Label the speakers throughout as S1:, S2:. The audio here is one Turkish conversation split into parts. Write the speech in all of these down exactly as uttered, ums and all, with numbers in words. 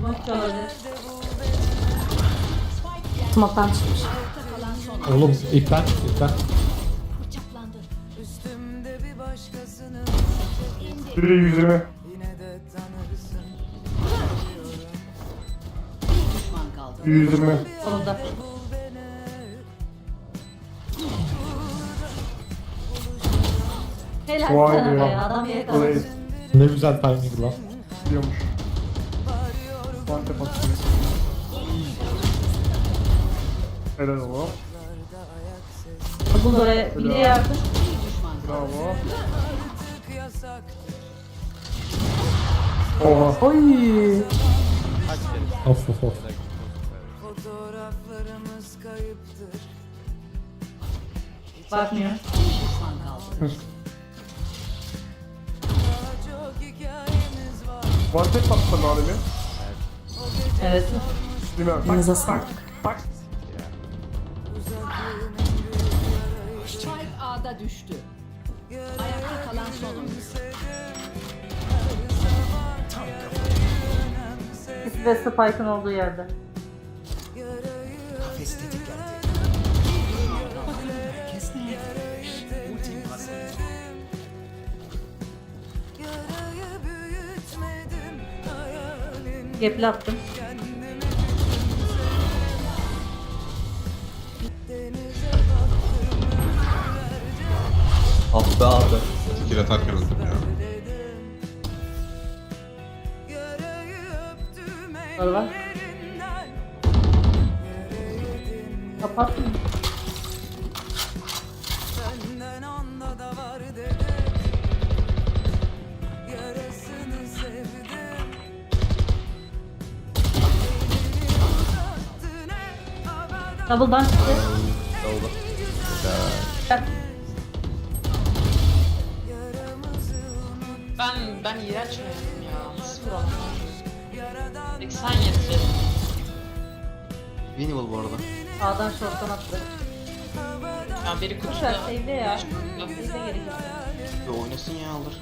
S1: Smoke olabilir. Smoke'tan çıkmış.
S2: Oğlum ipten ipten.
S3: Biri yüz yirmi. yüz yirmi.
S1: Solunda. Helal
S3: Vay
S1: sana
S3: be.
S1: be adam yakaladı.
S3: Orayı
S2: Ne güzel timing lan.
S3: biliyormuş. Mantep atıyor. Helal oğlum.
S1: Bul oraya bir de yardım.
S3: Bravo. Oha.
S1: Oy.
S2: Of of of.
S4: Fotoğraflarımız kayıptır.
S1: Bakmıyor.
S4: Çok hikayemiz var.
S3: Mantep attı malimi.
S1: Evet.
S3: Değil mi?
S1: Elinize sağlık.
S3: Bak.
S5: Spike A'da düştü. Ayakta kalan son oyuncu.
S1: İkisi de Spike'ın olduğu yerde.
S6: Kafes tetiklendi. Kes ne? Ultim hazır.
S4: Yarayı büyütmedim hayalim.
S1: Gepli attım.
S7: Ah be abi. Skill atarken öldüm ya.
S4: Yarayı öptüm
S1: Var var.
S4: ellerinden.
S1: Kapattım.
S4: Senden onda da var dedim. Yarasını sevdim. Elini uzattın hep havada.
S1: Double'dan çıktı.
S7: Oldu.
S1: Gel.
S4: Yaramızı unut.
S8: Ben ben iğrenç oynadım ya. Nasıl vuralım? seksen yedi.
S7: Winnable bu arada.
S1: Sağdan short'tan attı.
S8: Ya biri
S1: Güzel
S8: kutuda.
S1: save'de ya.
S8: Kutuda.
S1: Save'de gerekiyor.
S7: Ve oynasın ya alır.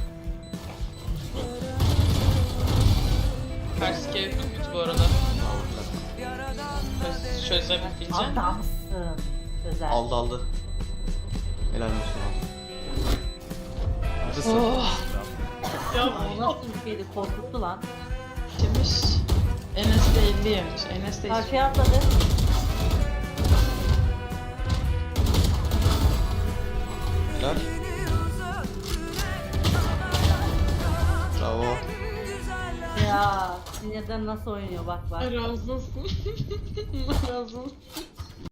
S8: Ters kere kutu bu arada. Çöz, çözebileceğim.
S1: Adamsın. Güzel.
S7: Aldı aldı. Helal olsun abi. Neredesin?
S8: Oh. Ya
S1: O nasıl bir şeydi? Korkuttu lan.
S8: demiş. Enes de elli yemiş. Enes de
S1: Karşıya atladı.
S7: Helal. Bravo.
S1: Ya sinirden nasıl oynuyor bak bak.
S8: razı olsun. razı olsun.